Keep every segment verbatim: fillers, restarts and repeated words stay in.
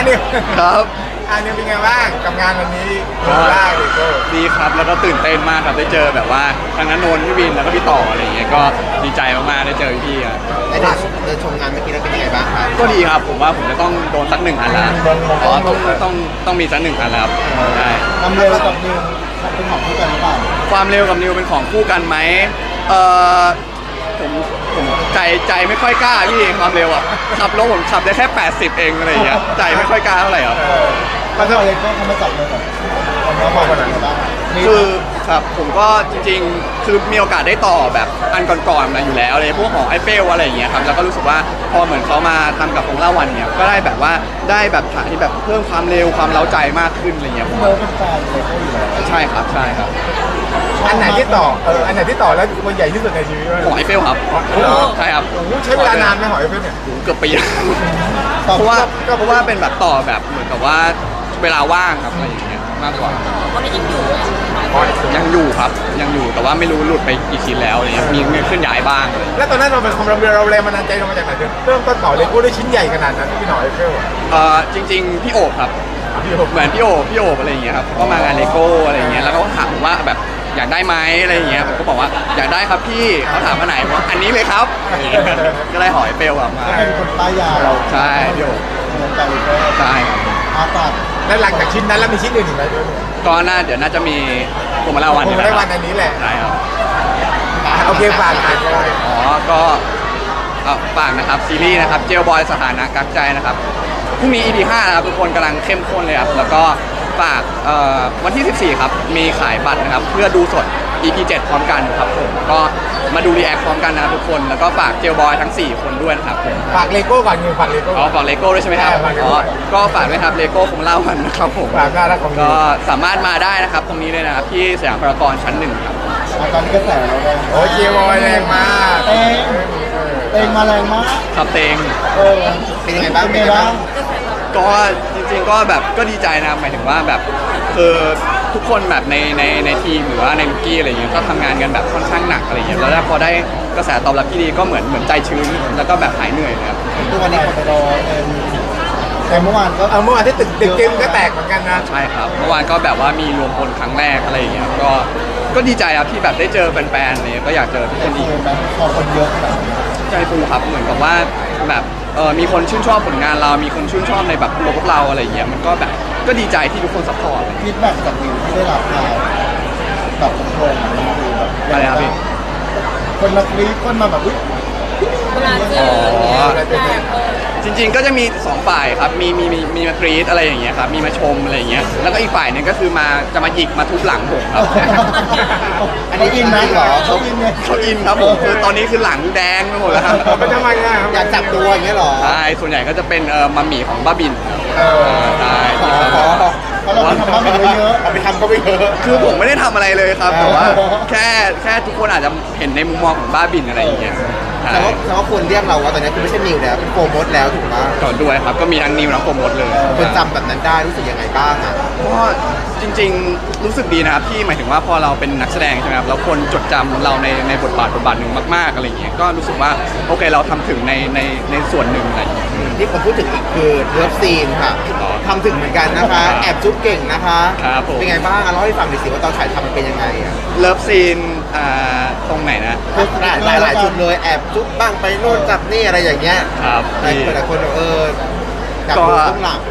นิวครับอันนี้เป็นไงบ้างกับงานวันนี้ดีมากเลยก็ดีครับแล้วก็ตื่นเต้นมากครับได้เจอแบบว่าทางนั้นนนท์พี่วินแล้วก็พี่ต่ออะไรอย่างเงี้ยก็ดีใจมากๆได้เจอพี่อ่ะไอเดินเดินชมงานเมื่อกี้แล้วเป็นยังไงบ้างครับก็ดีครับผมว่าผมจะต้องโดนสักหนึ่งอันแล้วอ๋อต้องต้องต้องมีสักหนึ่งอันแล้วครับใช่ทำเร็วกับนิวเป็นของคู่กันหรือเปล่าความเร็วกับนิวเป็นของคู่กันไหมเออผมผมใจใจไม่ค่อยกล้าพี่ความเร็วอ่ะขับรถผมขับได้แค่แปดสิบเองอะไรอย่างเงี้ยใจไม่ค่อยกล้าเท่าไหร่ครับก็เท่าไรก็ทำมาจับเลยแบบความร้อนขนาดนั้นบ้างคือครับผมก็จริงๆคือมีโอกาสได้ต่อแบบอันก่อนๆมาอยู่แล้วเลยพวกของไอเฟลอะไรอย่างเงี้ยครับแล้วก็รู้สึกว่าพอเหมือนเขามาทำกับของล่าวันเนี่ยก็ได้แบบว่าได้แบบถ่ายที่แบบเพิ่มความเร็วความเล้าใจมากขึ้นอะไรเงี้ยผมเมื่อเป็นแฟนเลยก็อยู่แล้วใช่ครับใช่ครับอันไหนที่ต่อเอออันไหนที่ต่อแล้วมันใหญ่ที่สุดในชีวิตของไอเฟลครับใช่ครับใช้เวลานานไหมหอยเพื่อนเนี่ยเกือบปีเพราะว่าเพราะว่าเป็นแบบต่อแบบเหมือนกับว่าเวลาว่างครับอะไรอย่างเงี้ยมากกว่ายังอยู่ครับยังอยู่แต่ว่าไม่รู้หลุดไปกี่ชิ้นแล้วอะไรเงี้ยมีมีขึ้นย้ายบ้างแล้วตอนนั้นเราเป็นความเราเราแรงบันดาลใจเรามาจากไหนเริ่มต้นต่อเลโก้ได้ชิ้นใหญ่ขนาดนั้นพี่หน่อยเฟลเอ่อจริงๆพี่โอบครับเหมือนพี่โอบพี่โอบอะไรอย่างเงี้ยครับก็มางานเลโก้อะไรอย่างเงี้ยแล้วเขาถามว่าแบบอยากได้ไหมอะไรอย่างเงี้ยผมก็บอกว่าอยากได้ครับพี่เขาถามว่าไหนว่าอันนี้เลยครับก็ได้หอยเปลวออกมาเป็นคนป้ายยาเราใช่พี่โอบเหมือนกันเลยก็ใช่ครับอาตัดแล้วหลังจากชิ้นนั้นแล้วมีชิ้นอื่นอีกไหมด้วยก็น่าเดี๋ยวน่าจะมีผมมาลาวันผมได้วันอันนี้แหละใช่ครับโอเคฝากงานก็ได้อ๋อก็เอาฝากนะครับซีรีส์นะครับเจลบอยสถานะกักใจนะครับพรุ่งนี้ อี พี ห้านะครับทุกคนกำลังเข้มข้นเลยครับแล้วก็ฝากเอ่อวันที่สิบสี่ครับมีขายบัตรนะครับเพื่อดูสด อี พี เจ็ดพร้อมกันครับผมก็มาดูรีแอคพร้อมกันนะครับทุกคนแล้วก็ฝากเจลบอยทั้งสี่คนด้วยนะครับผมฝากเลโก้ก่อนเงินฝากเลโก้อ๋อฝากเลโก้ด้วยใช่ไหมครับใช่ฝาก Lego อ๋อก็ฝากด้วยครับเลโก้คงเล่ากันนะครับผมฝากน่ารักของก็สามารถมาได้นะครับตรงนี้เลยนะครับที่สยามพารากอนชั้นหนึ่งครับตอนนี้กระแสเราแรงโอ้ยเจียวบอยแรงมากเต็งเต็งมาแรงมากครับเตงเออเป็นยังไงบ้างเป็นยังไงบ้างก็จริงๆก็แบบก็ดีใจนะหมายถึงว่าแบบคือทุกคนแบบในในในทีมหรือว่าในลูกกี้อะไรอย่างเงี้ยก็ทำงานกันแบบค่อนข้างหนักอะไรอย่างเงี้ยแล้วพอได้กระแสตอบรับที่ดีก็เหมือนเหมือนใจชื้นแล้วก็แบบหายเหนื่อยเลยครับทุกวันนี้คนไปรอเต็มแต่เมื่อวานก็เอาเมื่อวานที่ตึกตึกเกมก็แตกเหมือนกันนะใช่ครับเมื่อวานก็แบบว่ามีรวมพลครั้งแรกอะไรอย่างเงี้ยก็ก็ดีใจครับที่แบบได้เจอแฟนๆอะไรเงี้ยก็อยากเจอทุกคนอีกเออแบบพอคนเยอะแบบใจฟูครับเหมือนกับว่าแบบเออมีคนชื่นชอบผลงานเรามีคนชื่นชอบในแบบตัวพวกเราอะไรอย่างเงี้ยมันก็แบบก็ดีใจที่ทุกคนซัพพอร์ตฟีดแบ็กจากวิวที่ได้รับมาแบบโครงมันคือแบบอะไรครับพี่คนมากรี๊ดคนมาแบบอุ๊ยเวลาเจออย่างเงี้ยแบบเออจริงๆ ก็จะมีสองฝ่ายครับ มีมีมีมีมากรี๊ดอะไรอย่างเงี้ยครับ มีมาชมอะไรอย่างเงี้ย แล้วก็อีกฝ่ายหนึงก็คือมาจะมาหยิกมาทุบหลังผมครับอันนี้อินไหมเหรอเขาอินไงเขาอินครับผมคือตอนนี้คือหลังแดงไปหมดแล้วครับมันทำไมอ่ะอยากจับตัวอย่างเงี้ยเหรอใช่ส่วนใหญ่ก็จะเป็นเอ่อมัมหมี่ของบ้าบินเออใช่อ๋อเพราะเราไปทำบ้านไปเยอะเอาไปทำก็ไปเยอะคือผมไม่ได้ทำอะไรเลยครับ แต่ว่าอ๋อแค่แค่ทุกคนอาจจะเห็นในมุมมองของบ้าบินอะไรอย่างเงี้ยใช่แต่ว่าแต่ว่าควรเรียกเราว่าตอนนี้คือไม่ใช่นิวแล้วเป็นโฟมดแล้วถูกไหมก่อนด้วยครับ ก็มีทั้งนิวทั้งโปรโมทเลยคนจำแบบนั้นได้รู้สึกยังไงบ้างอ่ะก็จริงๆรู้สึกดีนะครับที่หมายถึงว่าพอเราเป็นนักแสดงใช่ไหมครับแล้วคนจดจำเราในในบทบาทบทบาทหนึ่งมากๆอะไรอย่างเงี้ยก็รู้สึกว่าโอเคเราทำถึงในในในส่วนหนึ่งอะไรอย่างเงี้ยที่ผมพูดถึงอีกคือเลิฟซีนค่ะอ๋อทำถึงเหมือนกันนะคะ แอบจุ๊บเก่งนะคะครับผมเป็นไงบ้างอ่ะเล่าให้ฟังหน่อยสิว่าตอนถ่ายทำมันเป็นยังไงอ่ะเลิฟซีนอ่าตรงไหนนะหลายหลายหลายจุดเลยแอบจุ๊บบ้างไปโน่นจับนี่อะไรอย่างเงี้ยครับหลายพี่คนหลายคนบอกเอออยากก็ดูต้องหลัง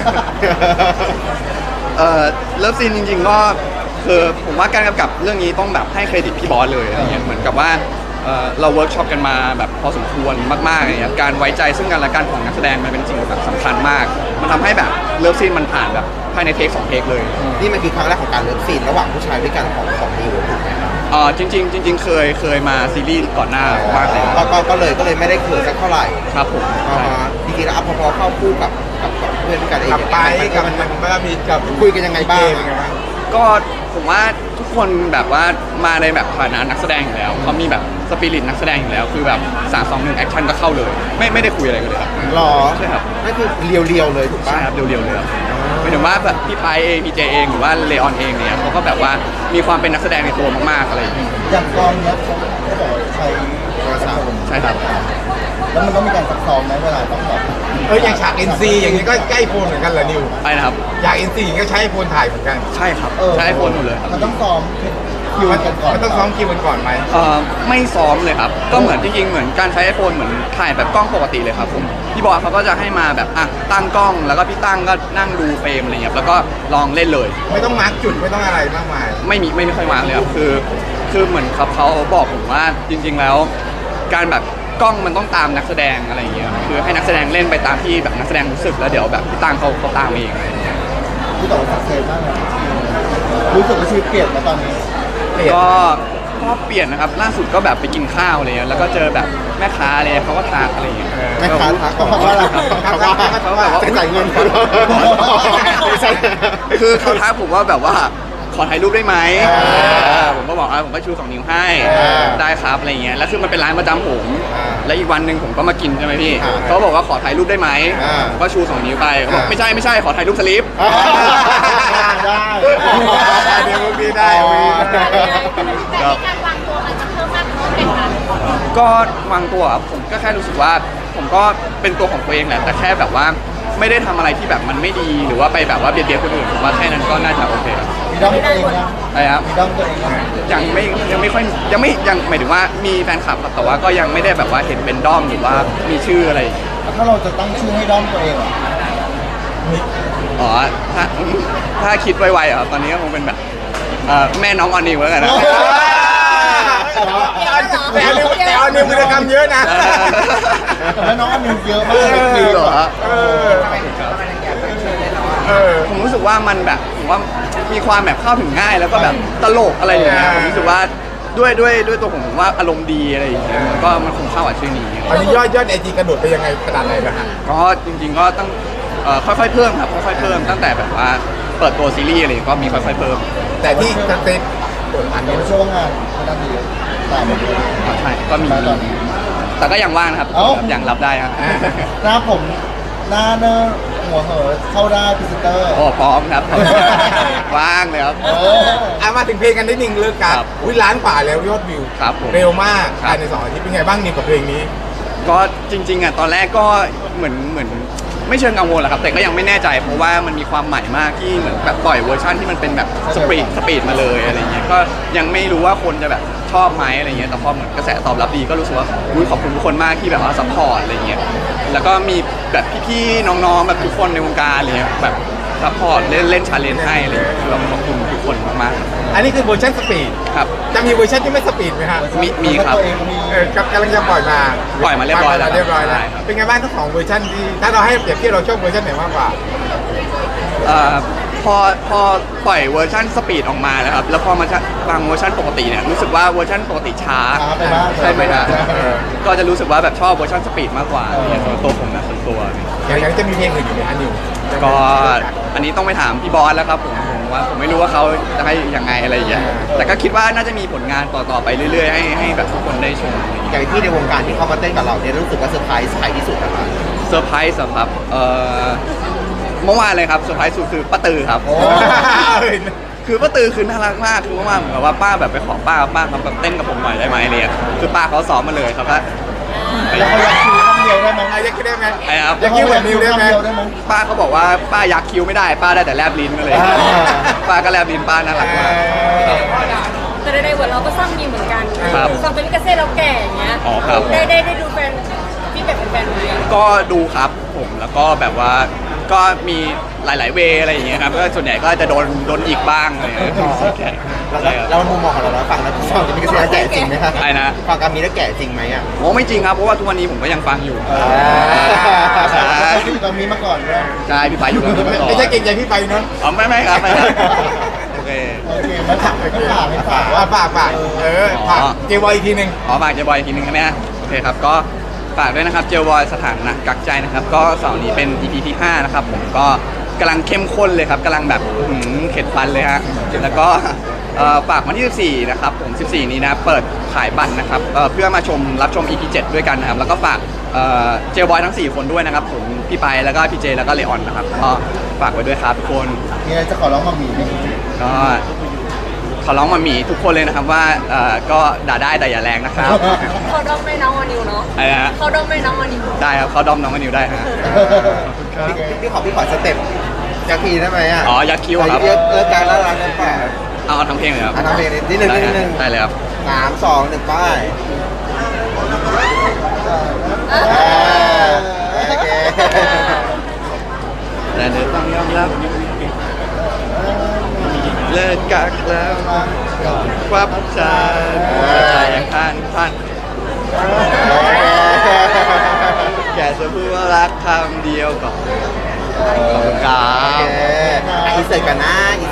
เอ่อเลิฟซีนจริงๆก็คือผมว่าการกำกับเรื่องนี้ต้องแบบให้เครดิตพี่บอสเลยอะไรเงี้ยเหมือนกับว่าเอ่อเราเวิร์กช็อปกันมาแบบพอสมควรมากๆอะไรเงี้ยการไว้ใจซึ่งกันและกันของนักแสดงมันเป็นสิ่งแบบสำคัญมาก มันทำให้แบบเลิฟซีนมันผ่านแบบภายในเทคสองเทคเลยนี่มันคือครั้งแรกของการเลิฟซีนระหว่างผู้ชายด้วยกันของของนิวถูกไหมครับเอ่อจริงๆจริง ๆ เคยเคยมาซีรีส์ก่อนหน้ามากเลยก็ก็ก็เลยก็เลยไม่ได้เขินสักเท่าไหร่ครับผมอ่าฮะจริงๆแล้วพอพอเข้าคู่กับกับกับเพื่อนด้วยกันเองกับไปเนี่ยกับมันมัมัน นมันก็มีกับคุยกันยังไงบ้างเป็นไงบ้างก็ผมว่าทุกคนแบบว่ามาในแบบฐานะนักแสดงอยู่แล้วเขามีแบบสปิริตนักแสดงอยู่แล้วคือแบบสามสองหนึ่งแอคชั่นก็เข้าเลย ไม่ไม่ได้คุยอะไรกันเลยครับหรอใช่ครับนั่นคือเรียวๆเลยถูกใช่ปะครับเรียวๆเลยครับหมายถึงว่าแบบพี่ไพเองพี่เจเองหรือว่าเลออนเองเนี่ยเขาก็แบบว่ามีความเป็นนักแสดงในตัวมากๆอะไรอย่างเงี้ยอย่างกองเนี้ยเขาเขาบอกว่าใช้โทรศัพท์ใช่ครับแล้วมันต้องมีการซักซ้อมไหมเวลาต้องแบบเอออย่างฉาก เอ็น ซี อย่างนี้ก็ใกล้โฟนเหมือนกันเหรอนิวไปนะครับอยาก เอ็น ซี ก็ใช้ไอโฟนถ่ายเหมือนกันใช่ครับเออใช้ไอโฟนหมดเลยครับมันต้องซ้อมคิวกันก่อนมันต้องซ้อมคิวกันก่อนไหมเอ่อไม่ซ้อมเลยครับ ก็เหมือนจริงๆเหมือนการใช้ไอโฟนเหมือนถ่ายแบบกล้องปกติเลยครับผมพี่บอยเขาก็จะให้มาแบบอ่ะตั้งกล้องแล้วก็พี่ตั้งก็นั่งดูเฟรมอะไรเงี้ยแล้วก็ลองเล่นเลยไม่ต้องมาร์กจุดไม่ต้องอะไรมากมายไม่มีไม่ไม่ค่อยวางเลยครับคือคือเหมือนครับเขาบอกผมว่าจริง ๆแล้ว การแบบกล้องมันต้องตามนักแสดงอะไรอย่างเงี้ยคือให้นักแสดงเล่นไปตามที่แบบนักแสดงรู้สึกแล้วเดี๋ยวแบบพี่ตั้งเขาเขาตามเองอะไรอย่างเงี้ยที่ต่อสักเซนมากเลยรู้สึกว่าชีวิตเปลี่ยนมาตอนนี้เปลี่ยนก็ก็เปลี่ยนนะครับล่าสุดก็แบบไปกินข้าวอะไรเงี้ยแล้วก็เจอแบบแม่ค้าอะไรเขาก็ทักอะไรอย่างเงี้ยแม่ค้าทักเขาบอกว่าอะไรเขาว่าเขาแบบว่าจะจ่ายเงินคือเขาทักผมว่าแบบว่าขอถ่ายรูปได้ไหมอ่าเออผมก็บอกอ่ะผมก็ชูสองนิ้วให้อ่าได้ครับอะไรเงี้ยแล้วคือมันเป็นร้านประจำผมอ่าแล้วอีกวันหนึ่งผมก็มากินใช่ไหมพี่อ่าเขาบอกว่าขอถ่ายรูปได้ไหมอ่าผมก็ชูสองนิ้วไปเขาบอกอ่าไม่ใช่ไม่ใช่ขอถ่ายรูปสลิปอ่าได้เดี๋ยวมึงดีได้มึงดีได้ครับการวางตัวมันจะเพิ่มมากขึ้นไหมคะก็วางตัวครับผมก็แค่รู้สึกว่า ผมก็เป็นตัวของตัวเองแหละแต่แค่แบบว่าไม่ได้ทำอะไรที่แบบมันไม่ดีหรือว่าไปแบบว่าเบียดเบียนคนอื่นผมว่าแค่นั้นก็น่าจะโอเคครับมีด้อมตัวเองยังอะไรครับมีด้อมตัวเองยังยังไม่ยังไม่ค่อยยังไม่ยังหมายถึงว่ามีแฟนคลับครับแต่ว่าก็ยังไม่ได้แบบว่าเห็นเป็นด้อมหรือว่ามีชื่ออะไรถ้าเราจะตั้งชื่อให้ด้อมตัวเองอ่ะอ๋อถ้าถ้าคิดไวๆอ่ะตอนนี้ก็คงเป็นแบบเอ่อแม่น้องออนิวแล้วกันนะแต่เอานิวแต่เอานิวกิจกรรมเยอะนะแล้วน้องอันนึงเยอะมากจริงเหรอเออเออผมรู้สึกว่ามันแบบผมว่ามีความแบบเข้าถึงง่ายแล้วก็แบบตลกอะไรอย่างเงี้ยอ่าผมรู้สึกว่าด้วยด้วยด้วยตัวผมผมว่าอารมณ์ดีอะไรอย่างเงี้ยมันก็มันคงเข้ากับชื่อนี้ตอนนี้ยอดยอดไอจีกระโดดไปยังไงขนาดไหนนะฮะก็จริงๆก็ต้องเอ่อค่อยๆเพิ่มครับค่อยๆเพิ่มตั้งแต่แบบว่าเปิดตัวซีรีส์อะไรก็มีค่อยๆเพิ่มแต่ที่สเตตอันเดี๋นี้ยวช่วงงานไม่น่าดีตามมาด้วยอ๋อใช่ก็มีตอนนี้แต่ก็ยังว่างนะครับเอ้ายังรับได้ครับหน้าผมหน้าเนอร์หัวเหอะเข้าได้พรีเซนเตอร์โอ้พร้อมครับ ว่างเลยครับเอออ่ะมาถึงเพลงกันนิดนึงเลิกกันครับอุ้ยล้านกว่าแล้วยอดวิวครับผมเร็วมากครับภายในสองอาทิตย์เป็นไงบ้างนิวกับเพลงนี้ก็จริงๆอ่ะตอนแรกก็เหมือนเหมือนไม่เชิงกังวลหรอกครับ แต่ก็ยังไม่แน่ใจเพราะว่ามันมีความใหม่มากที่เหมือนแบบปล่อยเวอร์ชันที่มันเป็นแบบสปีดสปีดมาเลยอะไรเงี้ยก็ยังไม่รู้ว่าคนจะแบบชอบไหมอะไรเงี้ยแต่พอเหมือนกระแสตอบรับดีก็รู้สึกว่าอุ๊ยขอบคุณทุกคนมากที่แบบว่าซัพพอร์ตอะไรเงี้ยแล้วก็มีแบบพี่ๆน้องๆแบบทุกคนในวงการอะไรเงี้ยแบบซัพพอร์ตเล่นเล่นชาเลนจ์ให้อะไรเงี้ยคือเราขอบคุณทุกคนมากอันนี้คือเวอร์ชันสปีดๆครับจะมีเวอร์ชันที่ไม่สปีดไหมฮะมีมีครับตัวเองมีเออกำลังจะปล่อยมาปล่อยมาเรียบร้อยแล้วเรียบร้อยแล้วใช่ครับเป็นไงบ้างทั้งสองเวอร์ชันที่ถ้าเราให้เปรียบเทียบเราชอบเวอร์ชันไหนมากกว่าเอ่อพอพอปล่อยเวอร์ชันสปีดออกมาแล้วครับแล้วพอมาฟังเวอร์ชันปกติเนี่ยรู้สึกว่าเวอร์ชันปกติช้าช้าไปบ้างใช่ไหมครับเออก็จะรู้สึกว่าแบบชอบเวอร์ชันสปีดมากกว่าเออเนี่ยสำหรับตัวผมนะส่วนตัวอย่างนี้จะมีเพลงอื่นอยู่ไหมฮะนิวก็อันนี้ต้องไปถามพี่บอสแล้วครับผมผมว่าผมไม่รู้ว่าเขาจะให้ยังไงอะไรอย่างเงี้ยแต่ก็คิดว่าน่าจะมีผลงานต่อๆไปเรื่อยๆให้ให้แบบทุกคนได้ชมอะไรอย่างเงี้ยอย่างที่ในวงการที่เขามาเต้นกับเราเนี่ยรู้สึกว่าเซอร์ไพรส์ใครที่สุดนะคะเซอร์ไพรส์เหรอครับเอ่อเมื่อวานเลยครับเซอร์ไพรส์สุดคือป้าตือครับโอ้คือป้าตือคือน่ารักมากคือเมื่อวานเหมือนกับว่าป้าแบบไปขอป้าป้าครับแบบเต้นกับผมหน่อยได้ไหมอะไรเนี่ยคือป้าเขาซ้อมมาเลยครับว่าแล้วเขาอยากคิวคำเดียวได้ไหมอ่ะอยากคิดได้ไหมไอ้ครับอยากคิดแบบนิวได้ไหมคำเดียวได้ไหมป้าเขาบอกว่าป้ายักคิ้วไม่ได้ป้าได้แต่แลบลิ้นมาเลยอ่าป้าก็แลบลิ้นป้าน่ารักมากครับแต่ในๆเวิร์ดเราก็สร้างมีเหมือนกันครับฟังเป็นลิกาเซ่เราแก่อย่างเงี้ยอ๋อครับได้ได้ได้ดูแฟนพี่แบบเป็นแฟนไหมก็ดูครับผมแล้วก็แบบว่าก็มีหลาย ๆ เวย์อะไรอย่างเงี้ยครับก็ส่วนใหญ่ก็จะโดนโดนอีกบ้างอะไรอย่างเงี้ยใช่แล้วใช่ครับแล้วมุมมองของเราแล้วฟังแล้วฟังจะมีกระแสแก่จริงไหมคะใช่นะฟังการมีแล้วแก่จริงไหมอ่ะโอ้ไม่จริงครับเพราะว่าทุกวันนี้ผมก็ยังฟังอยู่ ใช่ตอนนี้มาก่อนด้วยใช่พี่ไปอยู่กับผมมาก่อนไม่ใช่เก่งใจพี่ไปเนาะอ๋อไม่ไม่ครับไม่ครับโอเคโอเคมาถามให้ฝากให้ฝากว่าฝากฝากเออฝากอ๋อเจวอยอีกทีหนึ่งขอฝากเจบอยอีกทีหนึงนะฮะโอเคครับก็ฝากด้วยนะครับเจบอยสถานะกักใจนะครับก็เสาร์นี้เป็น อี พี ที่ห้านะครับผมก็กำลังเข้มข้นเลยครับกำลังแบบอื้อหือเข็ดฟันเลยฮะแล้วก็เอ่อฝากวันที่ สิบสี่ นะครับผม สิบสี่ นี้นะเปิดขายบัตรนะครับเอ่อเพื่อมาชมรับชม อี พี เจ็ด ด้วยกันนะครับแล้วก็ฝากเอ่อเจลบอยทั้งสี่คนด้วยนะครับผมพี่ไปแล้วก็พี่เจแล้วก็เลออนนะครับก็ฝากไว้ด้วยครับทุกคนมีอะไรจะขอร้องมามีไหมก็ขอร้องมามีทุกคนเลยนะครับว่าเอ่อก็ด่าได้แต่อย่าแรงนะครับเขาด้อมไม่น้องวานิวเนาะอะไรนะฮะเขาด้อมไม่น้องวานิวได้ครับเขาดอมน้องกันนิวได้ฮะพี่พี่ขอพี่ขอสเต็ปยักทีได้ไหมอ่ะอ๋อยักษ์คิ้วครับเยอะเออการน่ารักกันป่ะเอาเอาทั้งเพลงเลยครับอ่ะทำเพลงนิดนึงได้นิดฮะนึงได้เลยครับสามสองหนึ่งป้ายเออโอเคแต่เธอต้องยอมรับเลิกกักแล้วควับชาใจยังทานพันแกจะพูดว่ารักคำเดียวก่อนขอบคุณครัโอเคบอินเสิร์ตกันนะ